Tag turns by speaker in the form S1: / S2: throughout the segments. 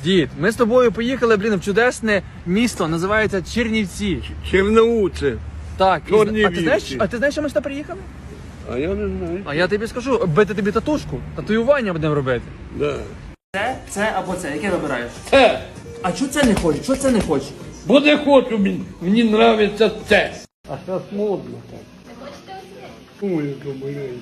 S1: Дід, ми з тобою поїхали, в чудесне місто, називається Чернівці.
S2: Черноуце.
S1: Так,
S2: Чернівці.
S1: а ти знаєш, що ми сюди приїхали?
S2: А я не знаю.
S1: А я тобі скажу, бити тобі татушку, татуювання будемо робити.
S2: Да.
S1: Це або це, яке вибираєш?
S2: Це.
S1: А чого це не хочеш? Чого це не хочеш?
S2: Бо не хочу, мені нравиться це. А зараз модно так. Ой, яка маленька.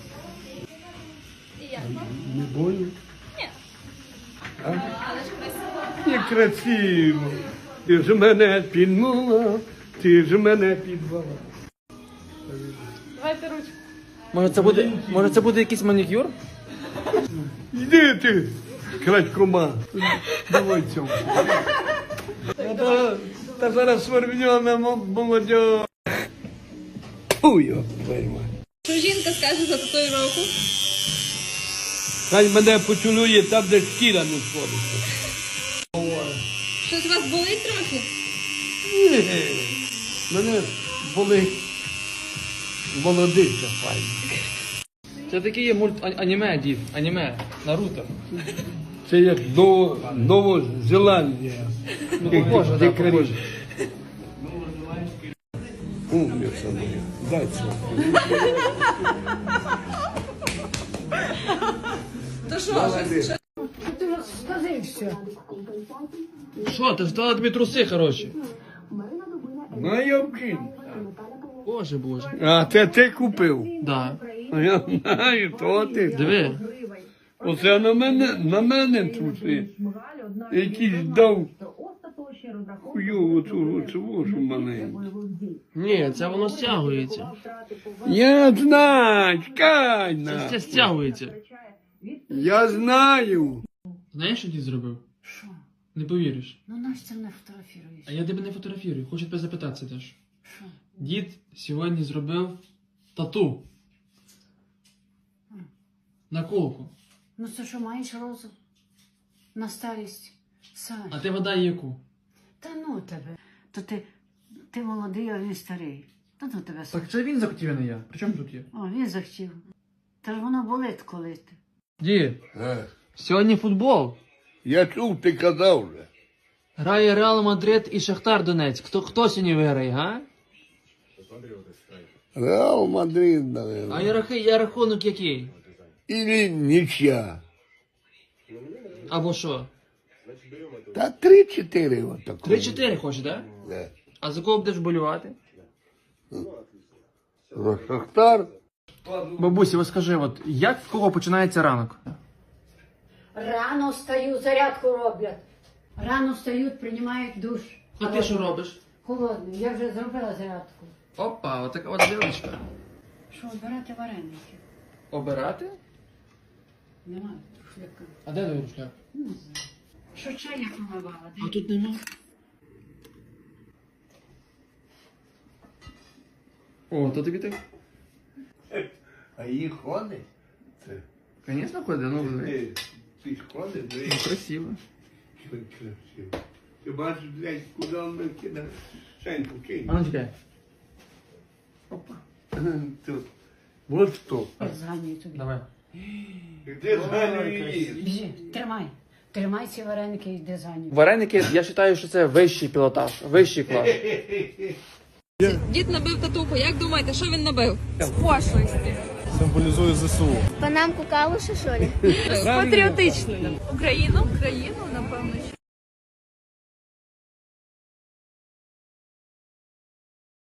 S2: Не больно? Ні. Але ж красиво. Не красиво. Ти ж мене підмала, ти ж мене підвала.
S3: Давайте ручку.
S1: Може це буде якийсь манікюр?
S2: Йди ти, крадькома. Давай цьому. Та зараз свербньона молодь. Фу, його пойма.
S3: Що жінка скаже за татуїровку?
S2: Хай мене поцілує там, де шкіра не сходиться.
S3: Щось у вас болить трохи?
S2: Ні, мене болить молодиця файна.
S1: Це такий є аніме, дід, аніме, Наруто.
S2: Це як Новозеландія.
S1: Ну, похоже, так, похоже.
S2: Умниця моя, дай це.
S3: То що?
S1: Що, ти здала тобі труси, хороші?
S2: Ну, я вкину.
S1: Боже.
S2: А це ти купив?
S1: Да.
S2: А я знаю, то ти.
S1: Диви.
S2: Оце на мене труси. Якийсь дав хуйову цю вашу маленьку.
S1: Ні, це воно стягується.
S2: Я знаю, чекай
S1: Це
S2: на.
S1: стягується.
S2: Я знаю.
S1: Знаєш, що дід зробив?
S4: Що?
S1: Не повіриш.
S4: Ну нащо ти мене фотографіруєш?
S1: А я тебе не фотографірую, хочу тебе запитатися теж.
S4: Що?
S1: Дід сьогодні зробив тату. На колку.
S4: Ну це що, маєш розум? На старість? Саш,
S1: А ти гадай яку?
S4: та ну тебе. То ти молодий, а він старий. Та ну тебе, Саш.
S1: Так це він захотів, а не я. При чому тут є?
S4: О, він захотів. Та ж воно болить, коли ти.
S1: Дід, сьогодні футбол.
S2: Я чув, ти казав вже.
S1: Грає Реал Мадрид і Шахтар Донецьк. Хто сьогодні виграє, га?
S2: Реал Мадрид, наверное.
S1: А рахунок який?
S2: Или нічия.
S1: Або що?
S2: Та 3-4 отако.
S1: 3-4 хочеш, так? Да?
S2: Да.
S1: А за кого будеш болювати?
S2: Шахтар.
S1: Бабусі, ось скажи, от як в кого починається ранок?
S4: Рано встаю, зарядку роблять. Рано встають, приймають душ.
S1: А ти що робиш?
S4: Холодний. Я вже зробила зарядку.
S1: Опа, отака от дівчинка.
S4: Що, обирати вареники?
S1: Обирати?
S4: Немає шляка.
S1: А де твій рушляк?
S4: Не знаю. Що чай я помивала?
S1: А тут нема. О, то тобі так?
S2: А її ходить?
S1: Звісно, ходить, ну
S2: Ти ходиш?
S1: красиво.
S2: Красиво. Ти бачиш, блядь, куди він кидає? Шеньку кинь.
S1: А ну чекай. Опа.
S2: Тут. Вот що.
S4: Зганюю тобі.
S1: Давай.
S2: Де зганюєш?
S4: Біжи, тримай. Тримай ці вареники і йди зганюю.
S1: Вареники, я вважаю, що це вищий пілотаж, вищий клас.
S3: Дід набив татуху. Як думаєте, що він набив? З пошлості.
S5: Символізує ЗСУ.
S6: Панамку калуші, що ли?
S3: Патріотично. Україну, напевно.